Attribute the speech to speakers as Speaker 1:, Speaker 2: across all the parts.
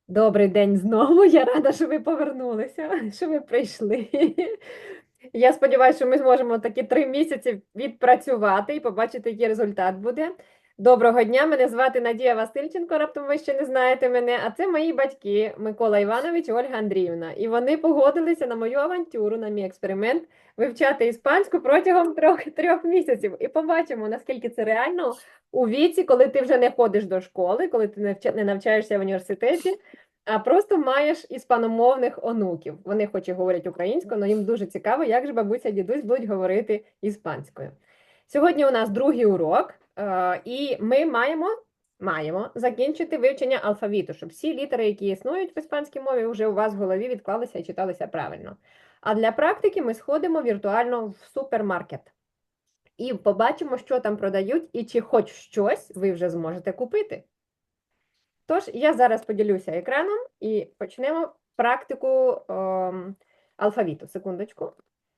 Speaker 1: Добрий день знову. Я рада, що ви повернулися, що ви прийшли. Я сподіваюся, що ми зможемо такі 3 місяці відпрацювати і побачити, який результат буде. Доброго дня, мене звати Надія Васильченко, раптом ви ще не знаєте мене, а це мої батьки Микола Іванович і Ольга Андріївна. І вони погодилися на мою авантюру, на мій експеримент вивчати іспанську протягом трьох місяців. І побачимо, наскільки це реально у віці, коли ти вже не ходиш до школи, коли ти не навчаєшся в університеті, а просто маєш іспаномовних онуків. Вони хоч і говорять українською, але їм дуже цікаво, як же бабуся і дідусь будуть говорити іспанською. Сьогодні у нас другий урок, і ми маємо закінчити вивчення алфавіту, щоб всі літери, які існують в іспанській мові, вже у вас в голові відклалися і читалися правильно. А для практики ми сходимо віртуально в супермаркет. І побачимо, що там продають, і чи хоч щось ви вже зможете купити. Тож, я зараз поділюся екраном і почнемо практику алфавіту. Секундочку.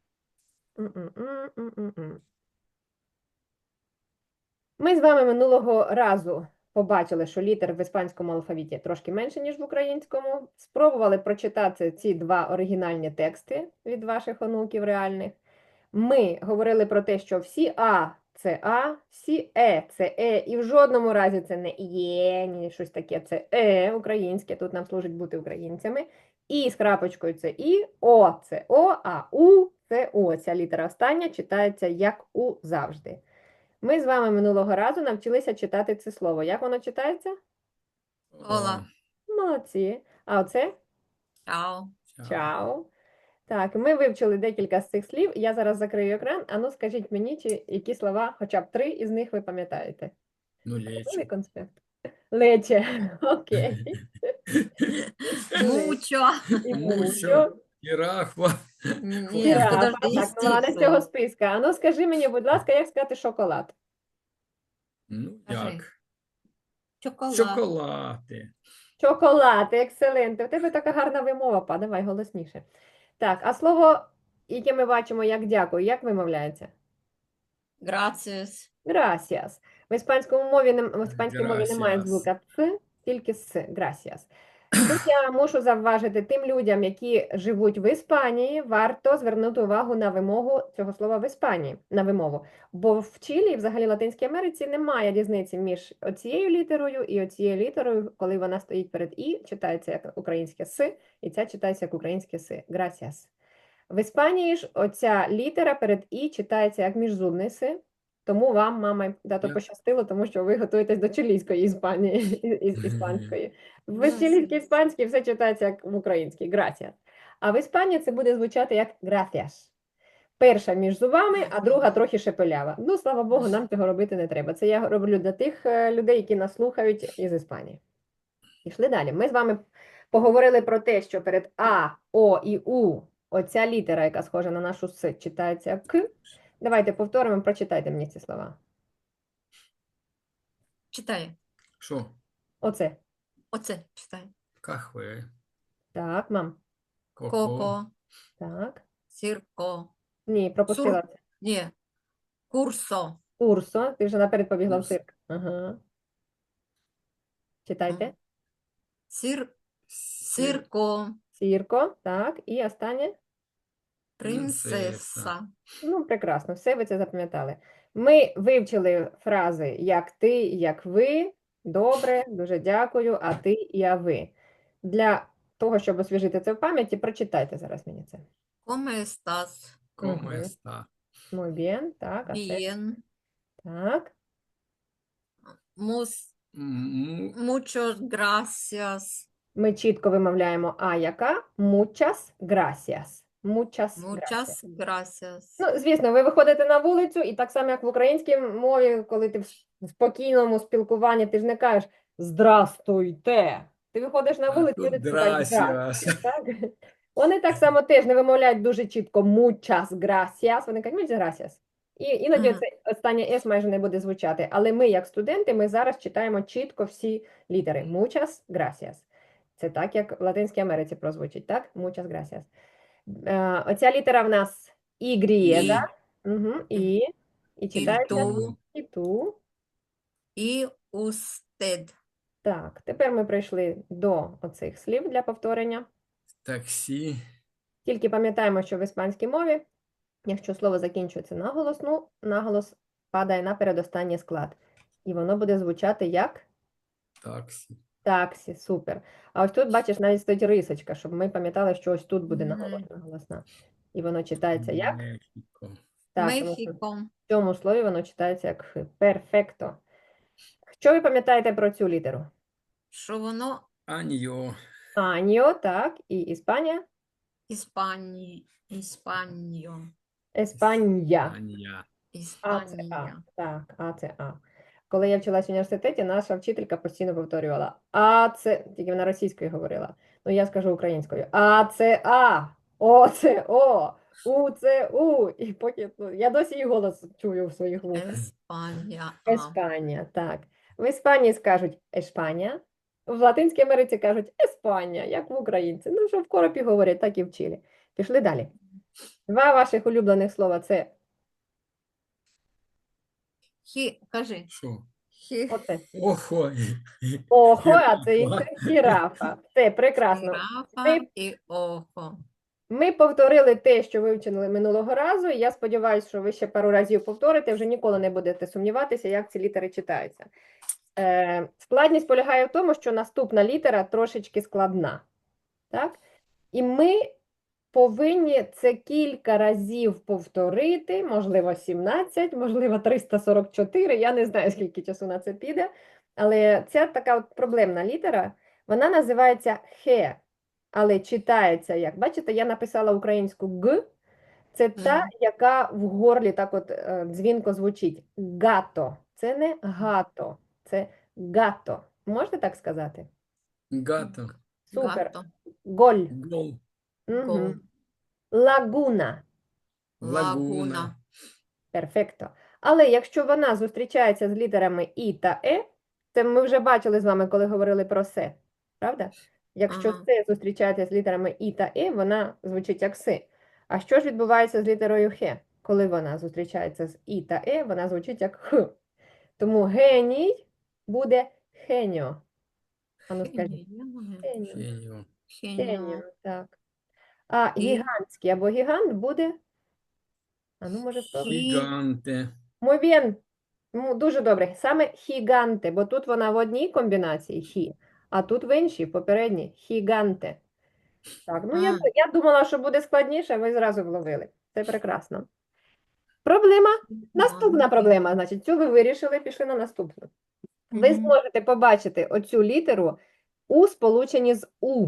Speaker 1: Ми з вами минулого разу побачили, що літер в іспанському алфавіті трошки менше, ніж в українському. Спробували прочитати ці два оригінальні тексти від ваших онуків реальних. Ми говорили про те, що всі це А, всі це Е, і в жодному разі це не Є, ні щось таке, це українське, тут нам служить бути українцями. І з крапочкою це І, О це О, а У це О. Ця літера остання читається як У завжди. Ми з вами минулого разу навчилися читати це слово. Як воно читається?
Speaker 2: Ола.
Speaker 1: Молодці. А оце?
Speaker 2: Чао.
Speaker 1: Чао. Так, ми вивчили декілька з цих слів. Я зараз закрию екран. Ану, скажіть мені, які слова, хоча б 3 із них ви пам'ятаєте.
Speaker 3: Ну,
Speaker 1: Готовий
Speaker 3: лечо.
Speaker 1: конспект? Лече. Окей.
Speaker 2: Мучо.
Speaker 1: І
Speaker 3: Мучо.
Speaker 1: мучо.
Speaker 3: Жирафа.
Speaker 2: Нет,
Speaker 1: Жирафа.
Speaker 2: подожди,
Speaker 1: Так, ну, вона не з цього
Speaker 2: стиху.
Speaker 1: списка. Ану, скажи мені, будь ласка, як сказати шоколад?
Speaker 3: Ну,
Speaker 2: Кажи.
Speaker 3: як?
Speaker 2: Чоколад.
Speaker 3: Шоколади.
Speaker 1: Шоколад, ексцелент. У тебе така гарна вимова, па, давай голосніше. Так, а слово, яке ми бачимо як дякую, як вимовляється?
Speaker 2: Gracias.
Speaker 1: Gracias. В іспанській мові немає
Speaker 3: Gracias.
Speaker 1: звука «ц», тільки «с». Gracias. Тут я мушу завважити тим людям, які живуть в Іспанії, варто звернути увагу на вимогу цього слова в Іспанії, на вимову. Бо в Чилі і взагалі Латинській Америці немає різниці між оцією літерою і оцією літерою, коли вона стоїть перед «і», читається як українське «с», і ця читається як українське «с». Gracias. В Іспанії ж оця літера перед «і» читається як міжзубний «с», тому вам, мама і тато, пощастило, тому що ви готуєтесь до чилійської Іспанії, іспанської. В чилійській іспанській все читається як в українській, gracias. А в Іспанії це буде звучати як gracias. Перша між зубами, а друга трохи шепелява. Ну, слава Богу, нам цього робити не треба. Це я роблю для тих людей, які нас слухають із Іспанії. Пішли далі. Ми з вами поговорили про те, що перед А, О і У оця літера, яка схожа на нашу С, читається як К. Давайте повторимо, прочитайте мені ці слова.
Speaker 2: Читай.
Speaker 3: Що?
Speaker 1: Оце.
Speaker 2: Оце читай.
Speaker 3: Кахве.
Speaker 1: Так, мам.
Speaker 2: Коко.
Speaker 1: Так.
Speaker 2: Сірко.
Speaker 1: Ні, пропустила це.
Speaker 2: Ні. Курсо.
Speaker 1: Урсо. Ти вже наперед побігла в
Speaker 3: Урс.
Speaker 1: цирк. Ага. Читайте.
Speaker 2: Сірко.
Speaker 1: Сірко. Так. І останнє.
Speaker 2: Принцеса.
Speaker 1: Ну, прекрасно. Все ви це запам'ятали. Ми вивчили фрази як ти, як ви. Добре, дуже дякую. А ти і а ви. Для того, щоб освіжити це в пам'яті, прочитайте зараз мені це.
Speaker 2: Come estás?
Speaker 3: Como está?
Speaker 1: Muy bien. Так, а це?
Speaker 2: Bien.
Speaker 1: Так.
Speaker 2: Muchas gracias.
Speaker 1: Ми чітко вимовляємо а яка? Muchas gracias. Muchas gracias.
Speaker 2: Muchas gracias.
Speaker 1: Ну, звісно, ви виходите на вулицю, і так само, як в українській мові, коли ти в спокійному спілкуванні, ти ж не кажеш «Здрастуйте». Ти виходиш на вулицю,
Speaker 3: тут
Speaker 1: люди тобі кажуть
Speaker 3: gracias.
Speaker 1: «Здрастуйте». Так? Вони так само теж не вимовляють дуже чітко «muchas gracias», вони кажуть «muchas gracias». І іноді це останнє «с» майже не буде звучати. Але ми, як студенти, ми зараз читаємо чітко всі літери «muchas gracias». Це так, як в Латинській Америці прозвучить, так? «Muchas gracias». Оця літера в нас і грієда. Угу. І читається
Speaker 2: tú.
Speaker 1: і ту.
Speaker 2: І usted.
Speaker 1: Так, тепер ми прийшли до оцих слів для повторення.
Speaker 3: Таксі.
Speaker 1: Тільки пам'ятаємо, що в іспанській мові, якщо слово закінчується на голосну, наголос падає на передостанній склад. І воно буде звучати як
Speaker 3: Таксі.
Speaker 1: таксі, супер. А ось тут, бачиш, навіть стоїть рисочка, щоб ми пам'ятали, що ось тут буде
Speaker 2: Мгм.
Speaker 1: наголосна. І воно читається як?
Speaker 3: Мехіко.
Speaker 1: Так, тому що
Speaker 2: Мехіко.
Speaker 1: в цьому слові воно читається як х. Перфекто. Що ви пам'ятаєте про цю літеру?
Speaker 2: Що воно
Speaker 1: Аньо,
Speaker 3: Аньо.
Speaker 1: так, і Іспанія?
Speaker 2: Іспаньо.
Speaker 1: Еспанья.
Speaker 3: Анья.
Speaker 1: А це А.
Speaker 2: Іспанія.
Speaker 1: Так, А це А. Коли я вчилась в університеті, наша вчителька постійно повторювала А це, тільки вона російською говорила. Ну я скажу українською. А це А, О це О, У це У. І поки я досі її голос чую в своїх вухах.
Speaker 2: Еспанія.
Speaker 1: Еспанія, так. В Іспанії скажуть Ешпанія, в Латинській Америці кажуть Еспанія, як в українці. Ну, що в коропі говорять, так і вчили. Пішли далі. Два ваших улюблених слова це
Speaker 2: Кажи.
Speaker 3: Що?
Speaker 1: оце.
Speaker 3: Охо.
Speaker 1: Охо, а це інше гірафа. Це прекрасно.
Speaker 2: Гірафа
Speaker 1: Ми,
Speaker 2: і охо.
Speaker 1: ми повторили те, що вивчили минулого разу, і я сподіваюся, що ви ще пару разів повторите, вже ніколи не будете сумніватися, як ці літери читаються. Складність полягає в тому, що наступна літера трошечки складна. Так? І ми повинні це кілька разів повторити, можливо, 17, можливо, 344, я не знаю, скільки часу на це піде, але це така от проблемна літера, вона називається хе, але читається як, бачите, я написала українську г, це та,
Speaker 2: Мгм.
Speaker 1: яка в горлі так от дзвінко звучить, гато, це не гато, це гато, можете так сказати?
Speaker 3: Гато.
Speaker 1: Супер,
Speaker 2: Гато.
Speaker 1: голь,
Speaker 3: Гол.
Speaker 2: Гол.
Speaker 1: угу. Лагуна.
Speaker 2: Лагуна.
Speaker 1: Перфекто. Але якщо вона зустрічається з літерами І та Е, це ми вже бачили з вами, коли говорили про се, правда? Якщо
Speaker 2: Ага.
Speaker 1: се зустрічається з літерами І та Е, вона звучить як си. А що ж відбувається з літерою хе? Коли вона зустрічається з І та Е, вона звучить як х. Тому геній буде хеньо. А ну скажіть. Хеньо.
Speaker 3: Хеньо.
Speaker 1: Хеньо, так. А
Speaker 2: І
Speaker 1: гігантський або гігант буде. А ну, може, спробуй.
Speaker 3: Гіганте.
Speaker 1: Muy bien. Ну, дуже добре. Саме хіганте, бо тут вона в одній комбінації хі, а тут в іншій, попередній хіганте. Так, ну я думала, що буде складніше, ви зразу вловили. Це прекрасно. Проблема. Наступна проблема. Значить, цю ви вирішили, пішли на наступну. Ви
Speaker 2: Мгм.
Speaker 1: зможете побачити оцю літеру у сполученні з У.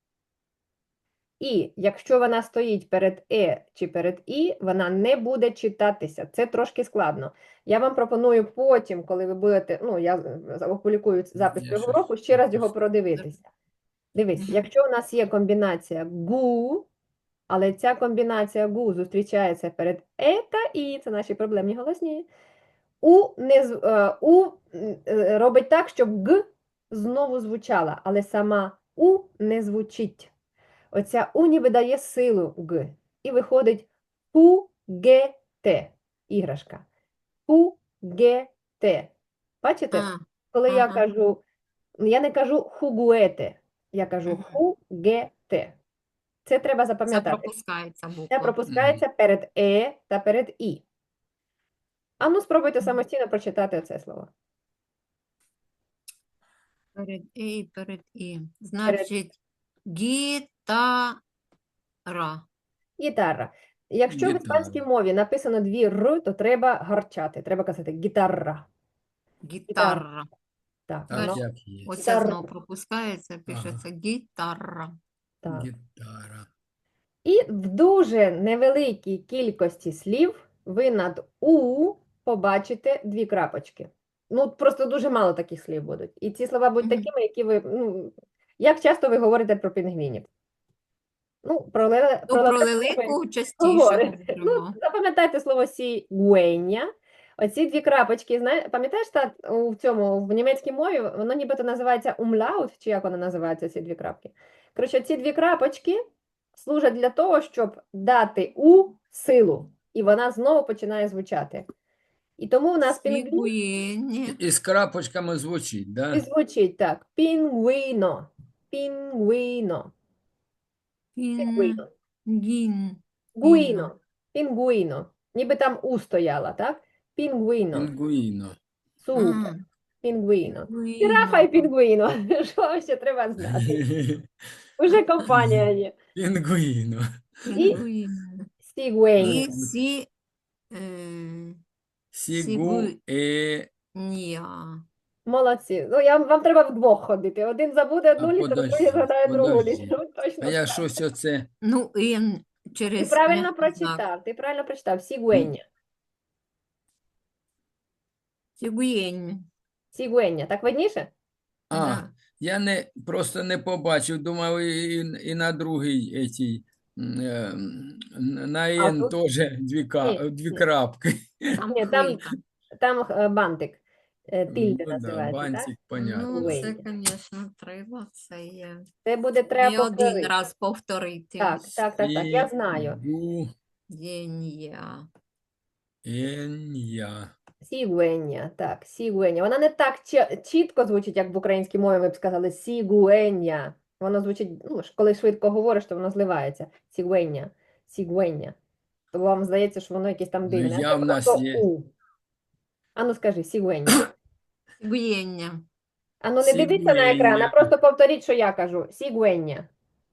Speaker 1: І якщо вона стоїть перед чи перед І, вона не буде читатися. Це трошки складно. Я вам пропоную потім, коли ви будете, ну, я опублікую запис
Speaker 3: Я
Speaker 1: цього
Speaker 3: щось
Speaker 1: уроку, ще раз його
Speaker 3: пропустив.
Speaker 1: продивитися. Дивись,
Speaker 2: Мгм.
Speaker 1: якщо у нас є комбінація гу, але ця комбінація гу зустрічається перед та І, це наші проблемні голосні, робить так, щоб г знову звучала, але сама у не звучить. Оця у ніби дає силу г. І виходить пугете. Іграшка. Пугете. Бачите?
Speaker 2: А,
Speaker 1: Коли я
Speaker 2: ага.
Speaker 1: кажу, я не кажу хугуете, я кажу хугете. Це треба
Speaker 2: Це
Speaker 1: запам'ятати.
Speaker 2: пропускається
Speaker 1: Це
Speaker 2: буква.
Speaker 1: пропускається перед та перед і. А ну спробуйте самостійно прочитати оце слово.
Speaker 2: Перед і, перед і.
Speaker 1: Перед
Speaker 2: Значить, гітара.
Speaker 1: гітара. Якщо в
Speaker 3: Гітара.
Speaker 1: іспанській мові написано дві р, то треба гарчати. Треба казати гітара.
Speaker 2: Гітара.
Speaker 1: Так,
Speaker 3: Так,
Speaker 1: воно
Speaker 3: як є.
Speaker 2: Оце
Speaker 1: Гітара.
Speaker 2: знову пропускається, пишеться гітара.
Speaker 1: так.
Speaker 3: Гітара.
Speaker 1: І в дуже невеликій кількості слів ви над У побачите дві крапочки. Ну, просто дуже мало таких слів будуть. І ці слова будуть
Speaker 2: Мгм.
Speaker 1: такими, які ви. Ну, як часто ви говорите про пінгвінів? Ну, про
Speaker 2: Ну, про
Speaker 1: лелек
Speaker 2: лелику частіше
Speaker 1: говорите. Ну,
Speaker 2: говоримо.
Speaker 1: запам'ятайте слово сігуеня. Оці дві крапочки, пам'ятаєш, у цьому в німецькій мові воно нібито називається умлаут, чи як воно називається, ці дві крапки. Коротше, ці дві крапочки служать для того, щоб дати у силу, і вона знову починає звучати. І тому в нас пінгвін
Speaker 2: Сігуєнє.
Speaker 3: І з крапочками звучить,
Speaker 1: і
Speaker 3: да?
Speaker 1: звучить так. Пінгвіно. Пінгвіно. Пінгвіно.
Speaker 2: Пінгін.
Speaker 1: Гуїно. Пінгвіно. Ніби там у стояла, так? Пінгвіно.
Speaker 3: Пінгвіно.
Speaker 1: Супер. Пінгвіно. Жирафа
Speaker 2: Пінгвіно.
Speaker 1: і пінгвіно. Що вам ще треба знати? Уже компанія є.
Speaker 3: Пінгвіно.
Speaker 1: І
Speaker 2: Пінгвіно.
Speaker 1: сігуеня.
Speaker 2: І е,
Speaker 3: Сігу,
Speaker 2: Ня.
Speaker 1: Молодці. Ну, вам треба вдвох ходити. Один забуде одну
Speaker 3: А
Speaker 1: літеру, другий
Speaker 3: подожди,
Speaker 1: згадає другу
Speaker 3: подожди.
Speaker 1: літеру.
Speaker 3: А
Speaker 1: Точно
Speaker 3: я
Speaker 1: так.
Speaker 3: щось оце.
Speaker 2: Ну, Н
Speaker 1: Ти
Speaker 2: через
Speaker 1: правильно
Speaker 2: м'який знак.
Speaker 1: прочитав. Ти правильно прочитав. Сігуеня.
Speaker 2: Сігуєнь.
Speaker 1: Сігуеня. Так видніше?
Speaker 3: А,
Speaker 2: Да.
Speaker 3: я просто не побачив, думав, і на другий етій, на
Speaker 1: А
Speaker 3: Н
Speaker 1: тут?
Speaker 3: теж
Speaker 1: Ні,
Speaker 3: дві
Speaker 1: ні.
Speaker 3: крапки.
Speaker 2: Там
Speaker 1: Ні,
Speaker 2: хвилька.
Speaker 1: там бантик. Тильде
Speaker 3: Ну да,
Speaker 1: називається, так?
Speaker 3: бантик, понятно.
Speaker 2: Ну, це,
Speaker 1: Сігуеня.
Speaker 2: звісно, треба це є.
Speaker 1: Це буде треба
Speaker 2: Не один
Speaker 1: повторити.
Speaker 2: раз повторити.
Speaker 1: Так. Я знаю.
Speaker 3: Сігу,
Speaker 2: Єн'я.
Speaker 3: Н-я.
Speaker 1: Сігуеня, так, сігуеня. Вона не так чітко звучить, як в українській мові ми б сказали сігуеня. Воно звучить, ну, коли швидко говориш, то воно зливається. Сігуеня, сігуеня. То вам здається, що воно якесь там
Speaker 3: Ну,
Speaker 1: дивне. А
Speaker 3: я
Speaker 1: це
Speaker 3: в нас
Speaker 1: просто
Speaker 3: є.
Speaker 1: у. Ану скажи, сігуеня.
Speaker 2: Сігуєння.
Speaker 1: Ану не дивіться на екран, а
Speaker 3: Сігуеня.
Speaker 1: просто повторіть, що я кажу. Сігуеня.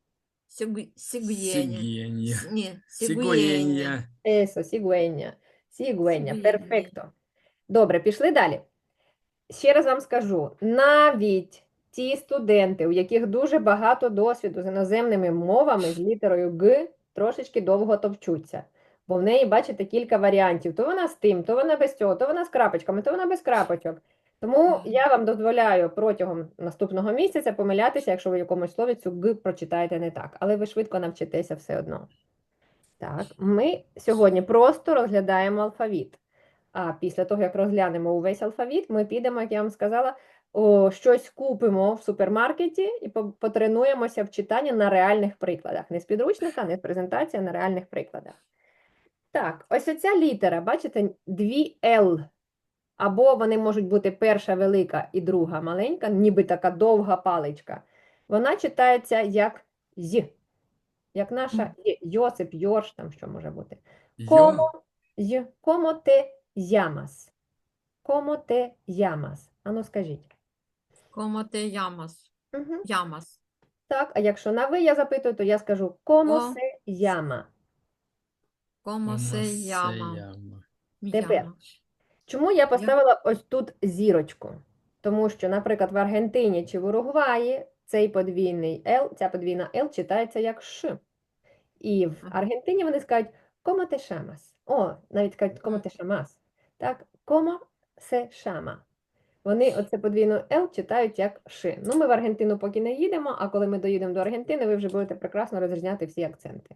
Speaker 2: Сігуєння.
Speaker 3: Сігєння.
Speaker 2: Ні, сігуєння.
Speaker 3: Сігуєння.
Speaker 1: Есо, сігуеня. Сігуеня,
Speaker 2: Сігуеня.
Speaker 1: перфекто. Добре, пішли далі. Ще раз вам скажу, навіть ті студенти, у яких дуже багато досвіду з іноземними мовами, з літерою Г, трошечки довго товчуться. Бо в неї, бачите, кілька варіантів. То вона з тим, то вона без цього, то вона з крапочками, то вона без крапочок. Тому я вам дозволяю протягом наступного місяця помилятися, якщо ви в якомусь слові цю Г прочитаєте не так. Але ви швидко навчитеся все одно. Так, ми сьогодні просто розглядаємо алфавіт. А після того, як розглянемо увесь алфавіт, ми підемо, як я вам сказала, щось купимо в супермаркеті і потренуємося в читанні на реальних прикладах. Не з підручника, не з презентації, а на реальних прикладах. Так, ось оця літера, бачите, дві Л. Або вони можуть бути перша велика і друга маленька, ніби така довга паличка. Вона читається як З. Як наша Йосип, Йорш, там що може бути.
Speaker 3: Йо.
Speaker 1: ¿Cómo te llamas? ¿Cómo te llamas? Ану, скажіть.
Speaker 2: Como te llamas?
Speaker 1: Угу.
Speaker 2: Llamas.
Speaker 1: Так, а якщо на ви я запитую, то я скажу ¿Cómo
Speaker 2: Ко-
Speaker 1: se llama?
Speaker 2: Como se llama?
Speaker 3: Яма.
Speaker 1: Тепер.
Speaker 2: Llama.
Speaker 1: Чому я поставила ось тут зірочку? Тому що, наприклад, в Аргентині чи в Уругваї цей подвійний Л, ця подвійна Л читається як Ш. І в
Speaker 2: Ага.
Speaker 1: Аргентині вони скажуть «Cómo te llamas?» О, навіть кажуть «Cómo te llamas?» Так, «Cómo se llama?» Вони оце подвійну Л читають як Ш. Ну, ми в Аргентину поки не їдемо, а коли ми доїдемо до Аргентини, ви вже будете прекрасно розрізняти всі акценти.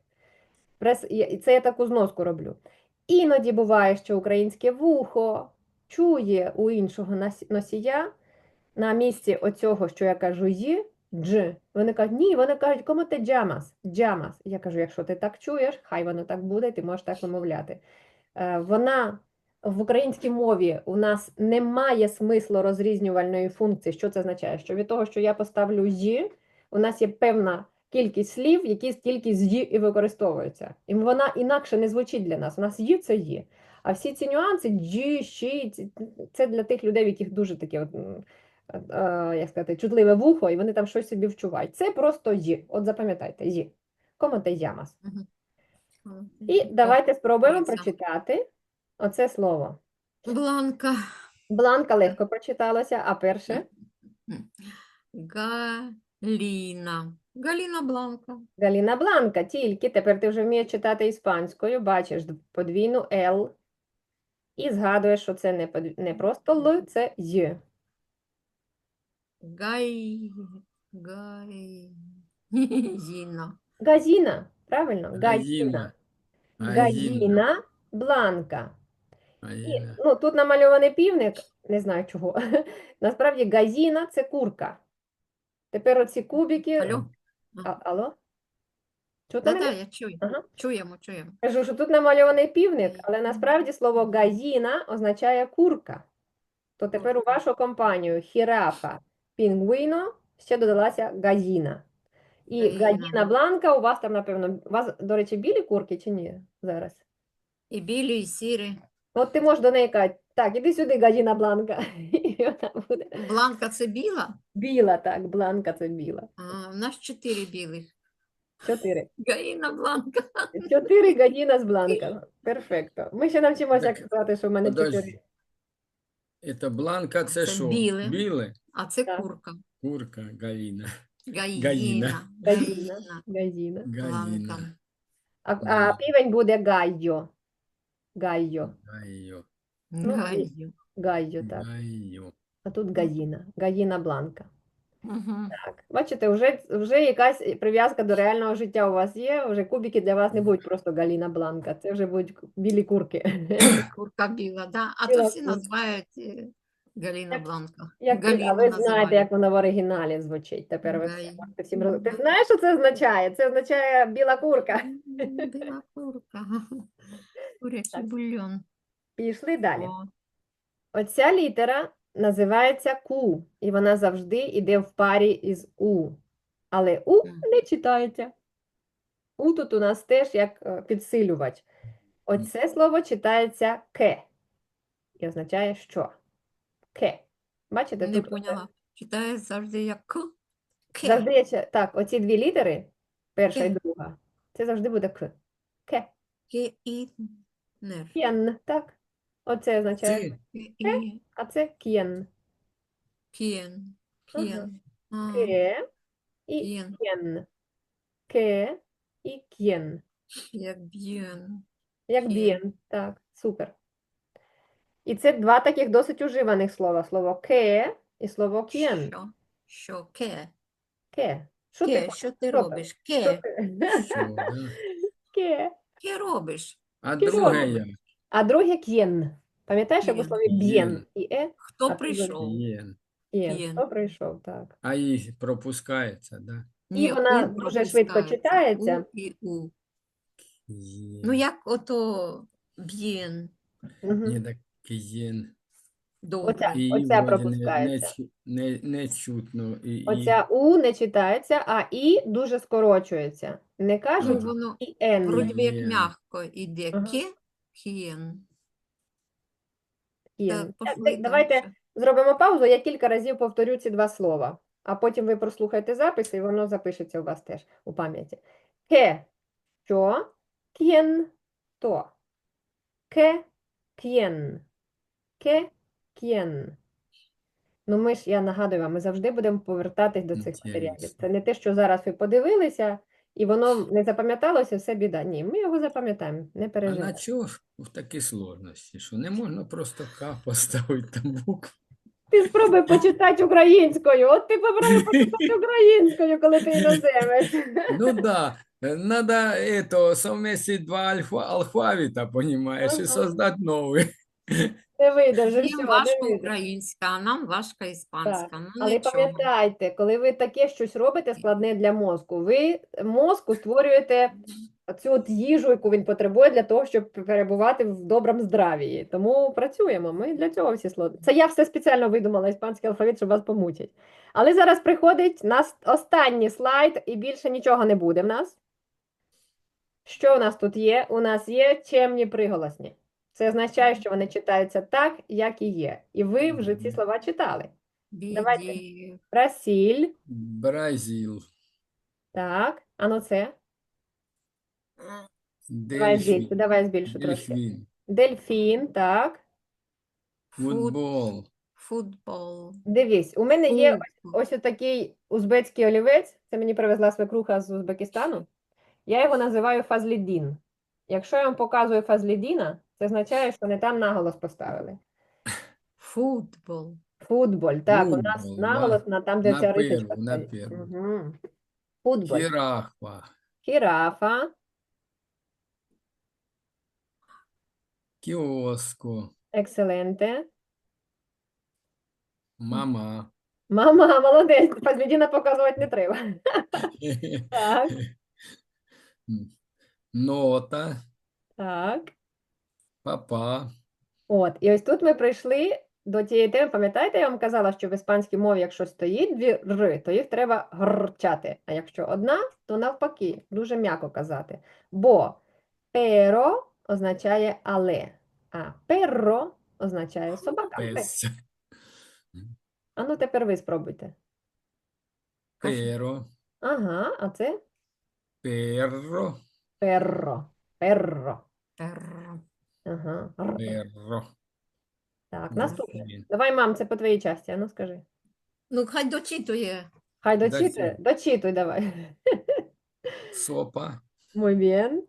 Speaker 1: І це я таку зноску роблю. Іноді буває, що українське вухо чує у іншого носія на місці оцього, що я кажу «ї», «дж». Вони кажуть, ні, вони кажуть, кому ти джамас, джамас. Я кажу, якщо ти так чуєш, хай воно так буде, ти можеш так вимовляти. Вона в українській мові у нас немає смислу розрізнювальної функції. Що це означає? Що від того, що я поставлю «ї», у нас є певна кількість слів, які тільки з «ї» і використовуються. І вона інакше не звучить для нас. У нас «ї» – це «ї». А всі ці нюанси «джі», «щі» – це для тих людей, в яких дуже таке, як сказати, чутливе вухо, і вони там щось собі вчувають. Це просто «ї». От запам'ятайте, «ї». Кому те ямас.
Speaker 2: Мгм.
Speaker 1: І давайте спробуємо
Speaker 2: Дивіться.
Speaker 1: прочитати оце слово.
Speaker 2: Бланка.
Speaker 1: Бланка легко прочиталося, а перше?
Speaker 2: Галіна. Галіна Бланка.
Speaker 1: Галіна Бланка, тільки тепер ти вже вмієш читати іспанською, бачиш подвійну «л» і згадуєш, що це не просто «л», це «й».
Speaker 2: Зіна.
Speaker 1: Газіна, правильно?
Speaker 3: Газіна.
Speaker 1: Газіна.
Speaker 3: Газіна.
Speaker 1: Газіна Бланка. І,
Speaker 3: Газіна.
Speaker 1: ну, тут намальований півник, не знаю чого. Насправді газіна – це курка. Тепер оці кубики.
Speaker 2: Алло?
Speaker 1: Алло? Чутно
Speaker 2: Да-да,
Speaker 1: мене?
Speaker 2: я чую.
Speaker 1: Ага.
Speaker 2: Чуємо, чуємо.
Speaker 1: Кажу, що тут намальований півник, але насправді слово газіна означає курка. То тепер у
Speaker 2: Курка.
Speaker 1: вашу компанію хірафа, пінгвіно ще додалася газіна. І
Speaker 2: Гаїна.
Speaker 1: газіна бланка у вас там, напевно, у вас, до речі, білі курки чи ні зараз?
Speaker 2: І білі, і сірі.
Speaker 1: От ти можеш до неї казати, так, іди сюди, газіна бланка. І вона буде
Speaker 2: Бланка це біла?
Speaker 1: біла, так, бланка це біла.
Speaker 2: А, в нас 4 білих.
Speaker 1: 4.
Speaker 2: Гаїна бланка.
Speaker 1: 4 газіна з бланка. Перфекто. Ми ще навчимося
Speaker 3: Так,
Speaker 1: казати, що в мене 4.
Speaker 3: Подожди. Це бланка, це
Speaker 2: Це
Speaker 3: що?
Speaker 2: біле.
Speaker 3: Біле?
Speaker 2: А це
Speaker 1: Так.
Speaker 2: курка.
Speaker 3: Курка, Галіна.
Speaker 2: Гаїна.
Speaker 1: Газіна. Газіна.
Speaker 3: Галіна.
Speaker 2: Бланка.
Speaker 1: А півень буде гайо. Гайо.
Speaker 3: Гайо.
Speaker 1: Ну,
Speaker 2: Гаю.
Speaker 1: Гайо, так.
Speaker 3: Гайо.
Speaker 1: А тут газіна. Газіна бланка.
Speaker 2: Угу.
Speaker 1: Так. Бачите, вже якась прив'язка до реального життя у вас є. Вже кубики для вас не будуть просто Галіна бланка. Це вже будуть білі курки.
Speaker 2: Курка біла, да. А
Speaker 1: Біла
Speaker 2: то всі
Speaker 1: курка.
Speaker 2: називають Галіна
Speaker 1: Як-
Speaker 2: Бланка.
Speaker 1: Як ти, а
Speaker 2: Галіну
Speaker 1: ви знаєте,
Speaker 2: називають.
Speaker 1: як воно в оригіналі звучить. Тепер ви все
Speaker 2: Гай.
Speaker 1: можете всім Ти знаєш, що це означає? Це означає біла курка.
Speaker 2: Біла курка. Курячий
Speaker 1: Так.
Speaker 2: бульйон.
Speaker 1: Пішли далі.
Speaker 2: О,
Speaker 1: Оця літера називається Q, і вона завжди йде в парі із У. Але У не читається. У тут у нас теж як підсилювач. Оце слово читається ке і означає що? Ке. Бачите,
Speaker 2: не
Speaker 1: тут
Speaker 2: поняла. Читає завжди як К. Ке.
Speaker 1: завжди є так, оці дві літери, перша і
Speaker 2: Ке.
Speaker 1: друга, це завжди буде К. Ке.
Speaker 2: Ке і нер.
Speaker 1: К'єн, так. Оце означає,
Speaker 3: Це
Speaker 2: Ке і
Speaker 1: а це к'єн.
Speaker 2: к'єн.
Speaker 1: Ага.
Speaker 2: К'єн. А,
Speaker 1: Ке і
Speaker 2: к'єн.
Speaker 1: к'єн. Ке і к'єн.
Speaker 2: Як б'єн.
Speaker 1: Як
Speaker 2: К'єн.
Speaker 1: б'єн, так, супер. І це два таких досить уживаних слова. Слово ке і слово к'єн.
Speaker 2: Що? Що? Ке.
Speaker 1: Ке. Що ти
Speaker 2: Ке,
Speaker 1: хочеш?
Speaker 2: що ти
Speaker 1: Що
Speaker 2: робиш?
Speaker 1: Що
Speaker 2: Ке.
Speaker 1: ти?
Speaker 3: що, да?
Speaker 1: Ке.
Speaker 2: Ке робиш?
Speaker 3: А
Speaker 1: Кіно.
Speaker 3: друге як?
Speaker 1: А друге к'єн. Пам'ятаєш, як у
Speaker 2: К'єн.
Speaker 1: слові б'єн і а
Speaker 2: Хто
Speaker 1: тут
Speaker 2: прийшов?
Speaker 3: Є.
Speaker 1: к'єн.
Speaker 2: К'єн.
Speaker 1: Хто прийшов, так.
Speaker 3: А їх пропускається, да?
Speaker 1: І вона
Speaker 2: У
Speaker 1: дуже швидко
Speaker 2: пропускається.
Speaker 1: читається.
Speaker 2: У і у.
Speaker 3: Є.
Speaker 2: Ну, як ото б'єн.
Speaker 1: Мгм.
Speaker 3: Ні, так є.
Speaker 2: Добре.
Speaker 3: І
Speaker 1: Оця
Speaker 3: вроді
Speaker 1: пропускається.
Speaker 3: не чутно. І,
Speaker 1: Оця У не читається, а І дуже скорочується. Не
Speaker 2: Ну,
Speaker 1: кажуть
Speaker 2: воно
Speaker 1: і Н.
Speaker 2: вроді би як
Speaker 3: К'єн.
Speaker 2: м'яко іде.
Speaker 1: Ага.
Speaker 2: Ке, к'єн.
Speaker 1: К'єн.
Speaker 2: Так, пошли
Speaker 1: Давайте
Speaker 2: дальше.
Speaker 1: зробимо паузу, я кілька разів повторю ці два слова, а потім ви прослухайте запис, і воно запишеться у вас теж у пам'яті. Ке, що, к'єн, то. Ке, к'єн. Ке, к'єн. Ну, я нагадую вам, ми завжди будемо повертатись до цих матеріалів.
Speaker 3: Інтересно.
Speaker 1: Це не те, що зараз ви подивилися, і воно не запам'яталося, все біда. Ні, ми його запам'ятаємо, не
Speaker 3: А на
Speaker 1: переживайте.
Speaker 3: чого ж в такі сложності? Що не можна просто К поставити там букву?
Speaker 1: Ти спробуй почитати українською. От ти попробуй почитати українською, коли ти іноземець.
Speaker 3: Ну да, надо это, совместить два алфавита, понимаешь, и
Speaker 1: Ага.
Speaker 3: создать новый.
Speaker 1: Не вийде вже
Speaker 2: Їм
Speaker 1: все,
Speaker 2: важко
Speaker 1: не вийде.
Speaker 2: українська, а нам важка іспанська.
Speaker 1: Так.
Speaker 2: Ну,
Speaker 1: Але
Speaker 2: нічого.
Speaker 1: пам'ятайте, коли ви таке щось робите складне для мозку, ви мозку створюєте цю от їжу, яку він потребує для того, щоб перебувати в доброму здравії. Тому працюємо. Ми для цього всі сложні. Це я все спеціально видумала іспанський алфавіт, щоб вас помучити. Але зараз приходить останній слайд, і більше нічого не буде в нас. Що у нас тут є? У нас є чемні приголосні. Це означає, що вони читаються так, як і є. І ви вже ці слова читали. Давайте.
Speaker 2: Біді.
Speaker 1: Брасіль,
Speaker 3: Бразил,
Speaker 1: так, а ну це. Давай збільшу, давай збільшу трошки.
Speaker 3: дельфин,
Speaker 1: Дельфін, так.
Speaker 3: футбол,
Speaker 2: Футбол.
Speaker 1: Дивись, у мене є
Speaker 2: Футбол.
Speaker 1: ось такий узбецький олівець, це мені привезла свекруха з Узбекистану. Я його називаю фазлідін. Якщо я вам показую фазлідіна, це означає, що не там наголос поставили.
Speaker 2: Футбол.
Speaker 1: Футболь, так, у нас
Speaker 3: Футбол,
Speaker 1: наголос на там, де
Speaker 3: на
Speaker 1: ця рисочка
Speaker 3: перву, на
Speaker 1: стоїть.
Speaker 3: перву.
Speaker 1: Мгм. Футболь.
Speaker 3: жирафа,
Speaker 1: Хірафа,
Speaker 3: киоско,
Speaker 1: екселенте.
Speaker 3: мама,
Speaker 1: Мама, молодець, фазлідіна показувати не треба. Так.
Speaker 3: Нота,
Speaker 1: Так.
Speaker 3: папа,
Speaker 1: От, і ось тут ми прийшли до тієї теми. Пам'ятаєте, я вам казала, що в іспанській мові, якщо стоїть дві р, то їх треба грчати. А якщо одна, то навпаки, дуже м'яко казати. Бо pero означає але, а perro означає собака.
Speaker 3: пес,
Speaker 1: А ну тепер ви спробуйте.
Speaker 3: перо,
Speaker 1: Ага, а це
Speaker 3: перро,
Speaker 1: perro. Perro.
Speaker 2: Перро.
Speaker 1: Ага.
Speaker 3: перро.
Speaker 1: Так,
Speaker 3: Ну,
Speaker 1: наступне.
Speaker 3: блін.
Speaker 1: Давай, мам, це по твоїй часті, а ну скажи.
Speaker 2: Ну, хай дочитує.
Speaker 1: Хай
Speaker 3: Дальше.
Speaker 1: дочитує, дочитуй давай.
Speaker 3: Сопа,
Speaker 1: Muy bien.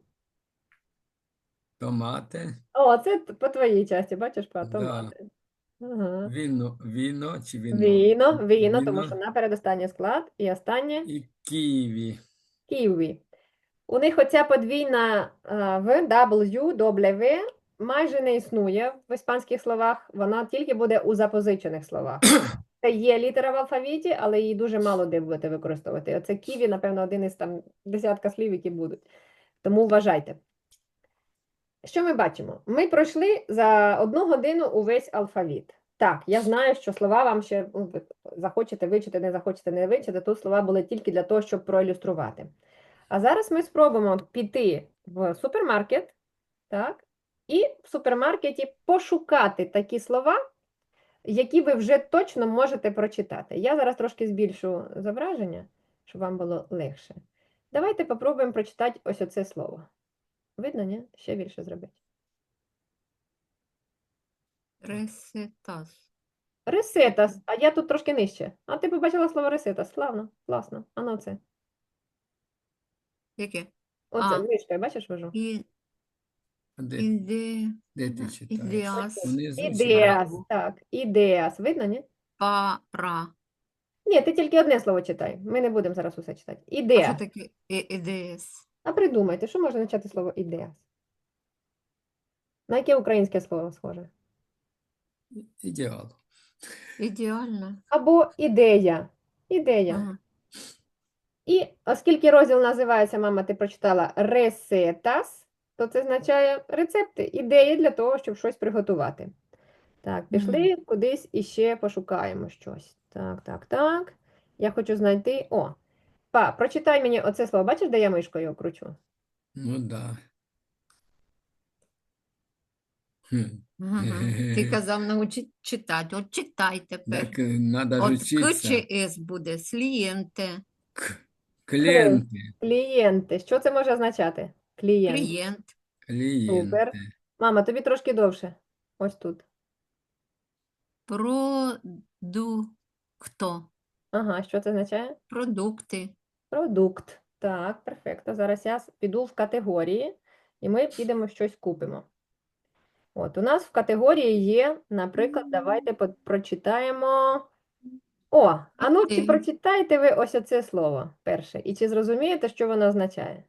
Speaker 3: томати,
Speaker 1: О, це по твоїй часті, бачиш, по
Speaker 3: Да.
Speaker 1: томати. Ага.
Speaker 3: віно чи віно?
Speaker 1: Віно, тому що
Speaker 3: Віно
Speaker 1: наперед останній склад і останнє
Speaker 3: і ківі.
Speaker 1: ківі. У них оця подвійна В, W, W майже не існує в іспанських словах, вона тільки буде у запозичених словах. Це є літера в алфавіті, але її дуже мало де будете використовувати. Оце ківі, напевно, один із там десятка слів, які будуть. Тому вважайте. Що ми бачимо? Ми пройшли за 1 годину увесь алфавіт. Так, я знаю, що слова вам ще ви захочете вивчити, не захочете не вивчити. Тут слова були тільки для того, щоб проілюструвати. А зараз ми спробуємо піти в супермаркет, так, і в супермаркеті пошукати такі слова, які ви вже точно можете прочитати. Я зараз трошки збільшу зображення, щоб вам було легше. Давайте попробуємо прочитати ось оце слово. Видно, ні? Ще більше зробити.
Speaker 2: Ресетас.
Speaker 1: Ресетас, а я тут трошки нижче. А ти побачила слово ресетас. Славно, класно. А ну це.
Speaker 2: Яке?
Speaker 1: Оце,
Speaker 2: А.
Speaker 1: мишкою, бачиш, вожу?
Speaker 2: І,
Speaker 3: Де,
Speaker 2: іде,
Speaker 3: де ти читаєш?
Speaker 2: ідеас.
Speaker 3: Внизу чи
Speaker 1: Ідеас,
Speaker 3: вверху?
Speaker 1: так, ідеас. Видно, ні?
Speaker 2: Пара.
Speaker 1: Ні, ти тільки одне слово читай. Ми не будемо зараз усе читати.
Speaker 2: А що
Speaker 1: Ідеас.
Speaker 2: таке ідеас?
Speaker 1: А придумайте, що може означати слово ідеас? На яке українське слово схоже?
Speaker 3: Ідеал.
Speaker 2: Ідеально.
Speaker 1: Або ідея. Ідея.
Speaker 2: Ага.
Speaker 1: І оскільки розділ називається, мама, ти прочитала ресетас, то це означає рецепти, ідеї для того, щоб щось приготувати. Так, пішли кудись і ще пошукаємо щось. Так, так, так. Я хочу знайти. О, прочитай мені оце слово. Бачиш, де я мишкою кручу?
Speaker 3: Ну да. Хм.
Speaker 2: Ага. Ти казав научить читати. От читай тепер.
Speaker 3: Так надо ж
Speaker 2: От К
Speaker 3: учиться.
Speaker 2: чи С буде? Слієнте.
Speaker 3: Клієнти.
Speaker 1: Клієнти. Що це може означати? Клієнт.
Speaker 2: Клієнт.
Speaker 1: Супер.
Speaker 3: Клієнти.
Speaker 1: Мама, тобі трошки довше. Ось тут.
Speaker 2: Продукто.
Speaker 1: Ага, що це означає?
Speaker 2: Продукти.
Speaker 1: Продукт. Так, перфекто. Зараз я піду в категорії, і ми підемо щось купимо. От, у нас в категорії є, наприклад, давайте прочитаємо. О, а ну, чи
Speaker 2: Окей.
Speaker 1: прочитаєте ви ось оце слово перше? І чи зрозумієте, що воно означає?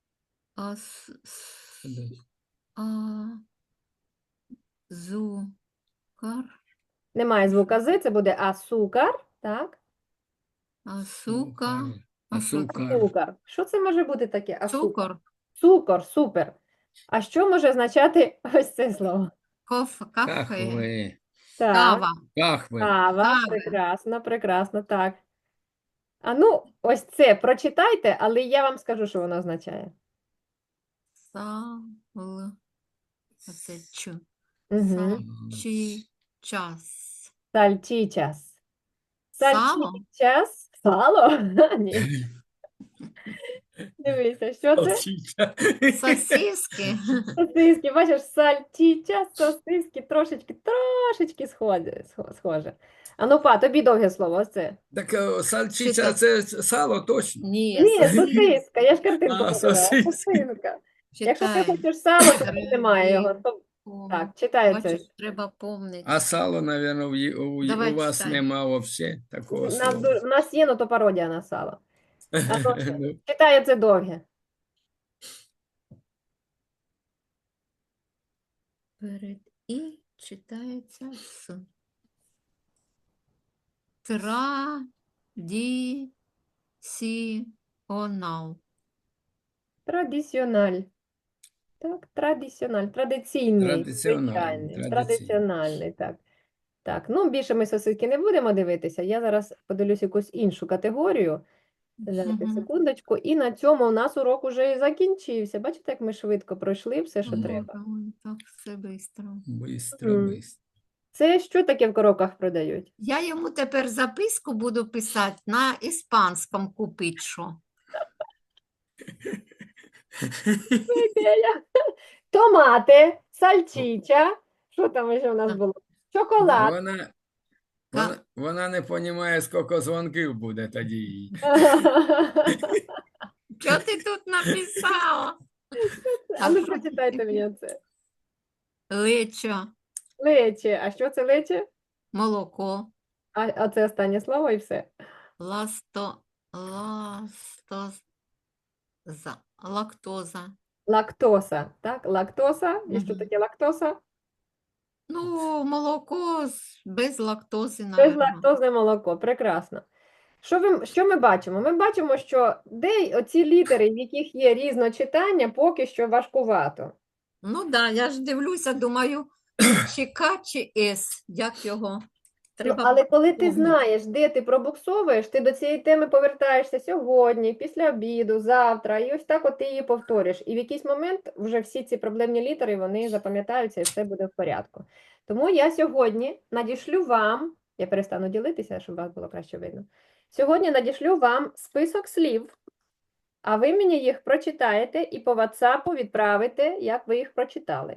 Speaker 2: Азукар.
Speaker 1: Немає звука «з», це буде асукар, так?
Speaker 2: Асука.
Speaker 3: Цукар.
Speaker 1: Цукор. Що це може бути таке? Асукар.
Speaker 2: Цукор.
Speaker 1: Цукор, супер. А що може означати ось це слово?
Speaker 2: Кафе.
Speaker 3: Кахви.
Speaker 1: Так,
Speaker 2: Кава.
Speaker 3: Кахви.
Speaker 1: кава,
Speaker 2: Кави.
Speaker 1: прекрасно, прекрасно, так. А ну, ось це прочитайте, але я вам скажу, що воно означає.
Speaker 2: Сал. Оце чу.
Speaker 1: Угу.
Speaker 2: Сальчичас.
Speaker 1: Сальчичас.
Speaker 2: Сало?
Speaker 1: Сальчичас. Сало? Ні. Дивися, що це?
Speaker 3: Салчича.
Speaker 2: Сосиски.
Speaker 1: Сосиски, бачиш, сальчичас, сосиски, трошечки схоже. А ну, тобі довге слово, ось це.
Speaker 3: Так сальчича
Speaker 2: Читай.
Speaker 3: це сало точно.
Speaker 2: Ні,
Speaker 1: Ні, сосиска, я ж картинку
Speaker 3: А,
Speaker 1: показала.
Speaker 3: сосиска.
Speaker 1: Сосиска. Якщо ти
Speaker 2: читай.
Speaker 1: хочеш сало, то тут немає його. Так, читай це.
Speaker 2: Бачиш, треба помнити.
Speaker 3: А сало, мабуть,
Speaker 2: Давай
Speaker 3: у вас
Speaker 2: читай.
Speaker 3: нема взагалі такого
Speaker 1: У
Speaker 3: слова.
Speaker 1: нас є, ну то пародія на сало. А ну,
Speaker 3: Ну,
Speaker 1: читай це довге.
Speaker 2: Перед і читається с. Традиціонал.
Speaker 1: Традиціональ. Так, традиціональ. Традиційний,
Speaker 3: Традиціональний,
Speaker 1: звичайний. Традиціональний, так. Так, ну більше ми сосиски не будемо дивитися. Я зараз подивлюсь якусь іншу категорію. Зараз
Speaker 2: Мгм.
Speaker 1: секундочку. І на цьому у нас урок уже і закінчився. Бачите, як ми швидко пройшли все, що
Speaker 3: Мгм.
Speaker 1: треба.
Speaker 2: Ой, так все швидко.
Speaker 3: Бистро,
Speaker 1: Мгм.
Speaker 3: бистро.
Speaker 1: Це що таке в коробках продають?
Speaker 2: Я йому тепер записку буду писати на іспанському купить що.
Speaker 1: Ідея. Томати, сальчича. Що там ще у нас
Speaker 2: Так.
Speaker 1: було? Шоколад.
Speaker 3: Вона не розуміє, скільки дзвонків буде тоді їй.
Speaker 2: Що ти тут написала?
Speaker 1: А ну прочитайте мені це.
Speaker 2: Лечо,
Speaker 1: Лече. А що це лече?
Speaker 2: молоко,
Speaker 1: А це останнє слово і все.
Speaker 2: лактоза.
Speaker 1: Лактоса. Так, лактоса. І що
Speaker 2: Мгм.
Speaker 1: таке лактоса?
Speaker 2: Ну, молоко без лактози,
Speaker 1: Безлактозне молоко. Прекрасно. Що ми бачимо? Ми бачимо, що оці літери, в яких є різночитання, поки що важкувато.
Speaker 2: Ну так, да, я ж дивлюся, думаю, чи К, чи С, як його.
Speaker 1: Ну,
Speaker 2: Треба
Speaker 1: але коли ти
Speaker 2: помнити.
Speaker 1: знаєш, де ти пробуксовуєш, ти до цієї теми повертаєшся сьогодні, після обіду, завтра, і ось так от ти її повторюєш. І в якийсь момент вже всі ці проблемні літери, вони запам'ятаються і все буде в порядку. Тому я сьогодні надішлю вам, я перестану ділитися, щоб вас було краще видно. Сьогодні надішлю вам список слів, а ви мені їх прочитаєте і по WhatsApp відправите, як ви їх прочитали.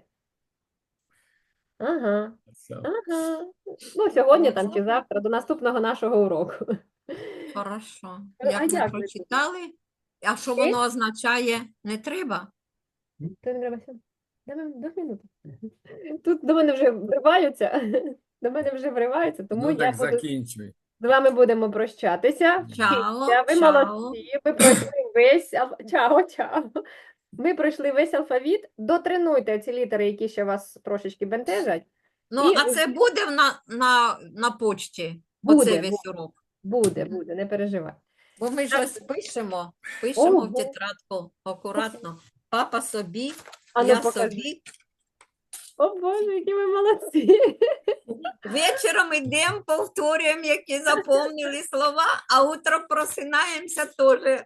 Speaker 1: Ага. Ага. Ну, сьогодні там чи завтра, до наступного нашого уроку.
Speaker 2: Хорошо.
Speaker 1: А
Speaker 2: Як ми
Speaker 1: як ви
Speaker 2: прочитали, а що
Speaker 1: Ти?
Speaker 2: воно означає, не треба?
Speaker 1: Ти не треба сюди. До минути. Тут до мене вже вриваються. До мене вже вриваються, тому
Speaker 3: Ну
Speaker 1: я
Speaker 3: так
Speaker 1: буду
Speaker 3: закінчуй.
Speaker 1: з вами будемо прощатися.
Speaker 2: Чао,
Speaker 1: Вчіться, ви
Speaker 2: чао.
Speaker 1: молодці, ви пройшли весь чао, чао. Ми пройшли весь алфавіт. Дотренуйте ці літери, які ще вас трошечки бентежать.
Speaker 2: Ну,
Speaker 1: І
Speaker 2: а це буде на почті,
Speaker 1: Буде,
Speaker 2: оце весь урок.
Speaker 1: буде, не переживай.
Speaker 2: Бо ми щось пишемо
Speaker 1: Ого.
Speaker 2: в тетрадку акуратно. Папа собі,
Speaker 1: А ну
Speaker 2: я
Speaker 1: покажи.
Speaker 2: собі.
Speaker 1: О Боже, які ви молодці.
Speaker 2: Вечором йдемо, повторюємо, які запомнили слова, а утром просинаємося теж.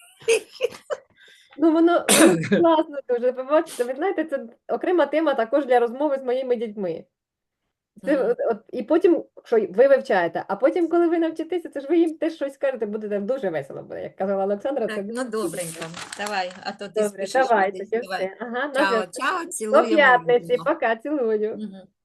Speaker 1: Ну, воно класно дуже. Побачите, ви знаєте, це окрема тема також для розмови з моїми дітьми. Це,
Speaker 2: Мгм.
Speaker 1: і потім, що ви вивчаєте, а потім, коли ви навчитеся, це ж ви їм теж щось скажете, буде дуже весело буде. Як казала Олександра, це
Speaker 2: Так,
Speaker 1: буде
Speaker 2: ну
Speaker 1: дуже
Speaker 2: добренько. Давай, а то ти
Speaker 1: добре.
Speaker 2: спішиш
Speaker 1: Давайте,
Speaker 2: кудись.
Speaker 1: все.
Speaker 2: Давай.
Speaker 1: Ага, на
Speaker 2: Чао,
Speaker 1: зв'язку.
Speaker 2: чао,
Speaker 1: До
Speaker 2: цілуємо.
Speaker 1: п'ятниці.
Speaker 2: обіймемо.
Speaker 1: Пока, цілую.
Speaker 2: Мгм.